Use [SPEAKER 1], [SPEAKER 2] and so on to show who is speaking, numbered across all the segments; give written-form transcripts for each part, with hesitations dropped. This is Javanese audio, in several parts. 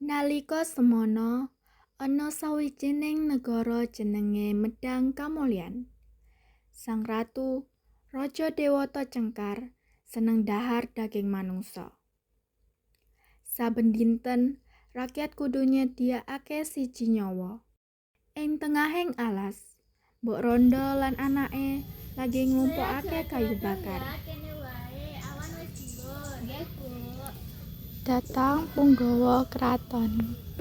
[SPEAKER 1] Nalika semana ana sawijining negara jenenge Medang Kamulyan. Sang ratu, raja dewata Cengkar, seneng dhahar daging manungsa. Saben dinten rakyat kudu nyediakake siji nyawa. Ing tengahing alas, Mbok Randa lan anake lagi ngumpulake kayu bakar. Datang punggawa kraton.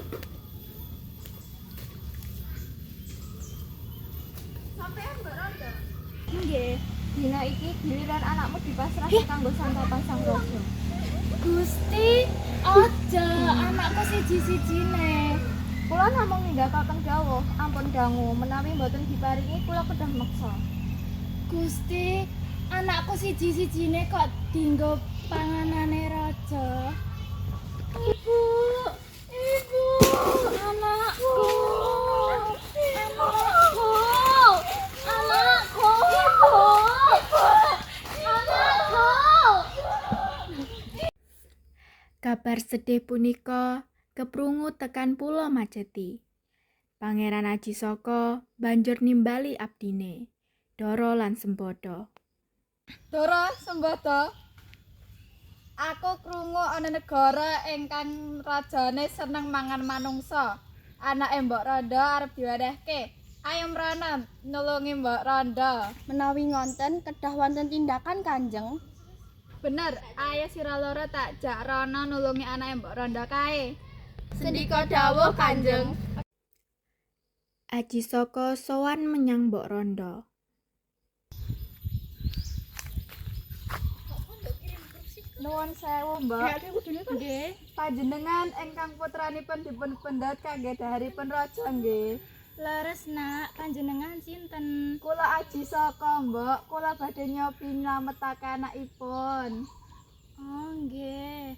[SPEAKER 2] Sampeyan Mbak Randa? Nggih, dina iki giliran anakmu dipasrahke kanggo santapan sang raja. Gusti, aja anakku siji-sijine. Kula namung nindakaken dawuh, ampun dangu menawi mboten diparingi kula kedah meksa. Gusti, anakku siji-sijine kok dienggo panganane raja. Ibu, anakku.
[SPEAKER 1] Kabar sedih punika keprungu tekan Pulo Majeti. Pangeran Ajisaka banjur nimbali abdine, Dara lan Sembada.
[SPEAKER 2] Dara, Sembada. Aku krungu ana negara ingkang rajane seneng mangan manungsa. Anake Mbok Randa arep diwadehke. Ayo mrana nulungi Mbok Randa.
[SPEAKER 3] Menawi ngonten kedah wonten tindakan Kanjeng.
[SPEAKER 2] Bener, ayo sira loro tak jak rono nulungi anake Mbok Randa kae. Sendika dawuh Kanjeng.
[SPEAKER 1] Ajisaka sowan menyang Mbok Randa.
[SPEAKER 2] Nuwun sewu, Mbak. Nggih. Panjenengan ingkang putranipun dipun pendat kangge daharipun raja nggih.
[SPEAKER 3] Leres nak, panjenengan sinten?
[SPEAKER 2] Kula Ajisaka, Mbak. Kula badhe nyobi nylametake anakipun.
[SPEAKER 3] Oh, nggih.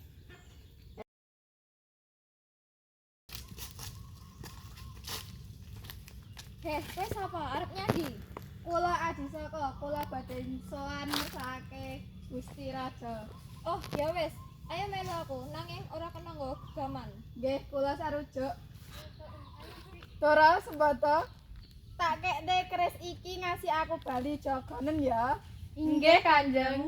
[SPEAKER 2] Kowe sapa? Arep nyandi? Kula Ajisaka, kula badhe sowan mirsake Gusti Raja. Oh, ya wis. Ayo melu aku, nanging ora kena nggo gaman. Nggih, kula sarujuk. Dara, Sembada. Tak kekne keris iki ngasih aku bali jaganen ya. Inggih, Kanjeng.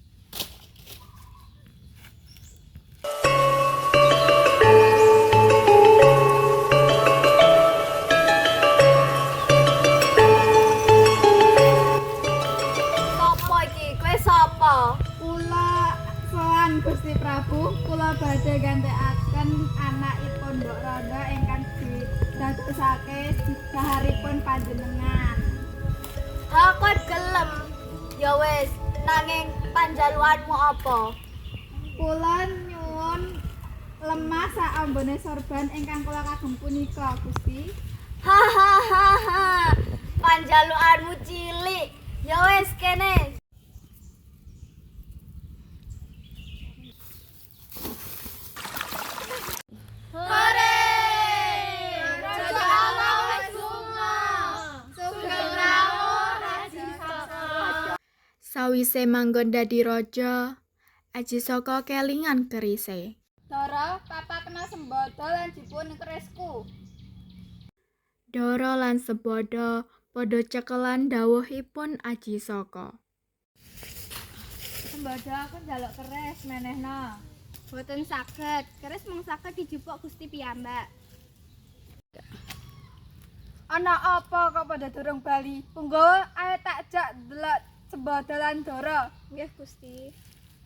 [SPEAKER 3] Sopo iki? Kowe sapa?
[SPEAKER 2] Kula sowan Gusti Prabu, kula badhe gantekaken anakipun Mbok Randa ingkang didadosake daharipun panjenengan.
[SPEAKER 3] Aku gelem. Ya wis, nanging panjaluanmu apa?
[SPEAKER 2] Kula nyuwun lemah sak ambone sorban ingkang kula kagem punika, Gusti.
[SPEAKER 3] Hahaha. Panjaluanmu cilik. Ya wis kene.
[SPEAKER 2] Hore! Raja Allah wis lunga. Sugeng rawuh Ajisaka.
[SPEAKER 1] Sawise manggon dadi raja, Ajisaka kelingan kerise.
[SPEAKER 2] Dara, papa kena Sembada lan dipun kerisku.
[SPEAKER 1] Dara lan Sembada padha cekelan dawuhipun Ajisaka.
[SPEAKER 2] Sembada aku njaluk keris menehna.
[SPEAKER 3] Boten saged. Keris mung saged dijupuk Gusti piyambak.
[SPEAKER 2] Ana apa kok pada durung bali? Punggawa ayo tak jak delok Sembada lan Dara.
[SPEAKER 3] Nggih, Gusti.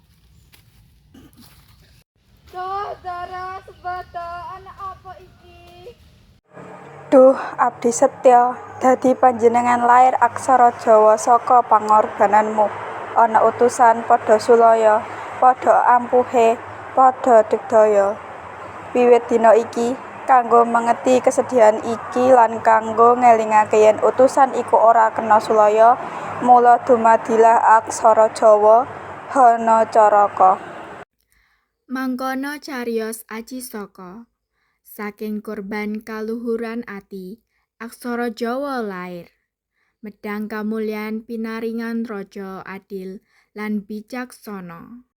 [SPEAKER 2] Duh, Dara, Sembada, ana apa iki?
[SPEAKER 4] Duh, abdi setya, dadi panjenengan lair aksara Jawa saka pangorbananmu. Ana utusan padha sulaya, padha ampuhe, padha digdaya. Wiwit dina iki, kanggo mengeti kesedihan iki lan kanggo ngelingake yen utusan iku ora kena sulaya, mula dumadilah aksara Jawa Hanacaraka.
[SPEAKER 1] Mangkono cariyos Ajisaka. Saking korban kaluhuran ati, aksara Jawa lair. Medang Kamulyan pinaringan raja adil lan bijaksana.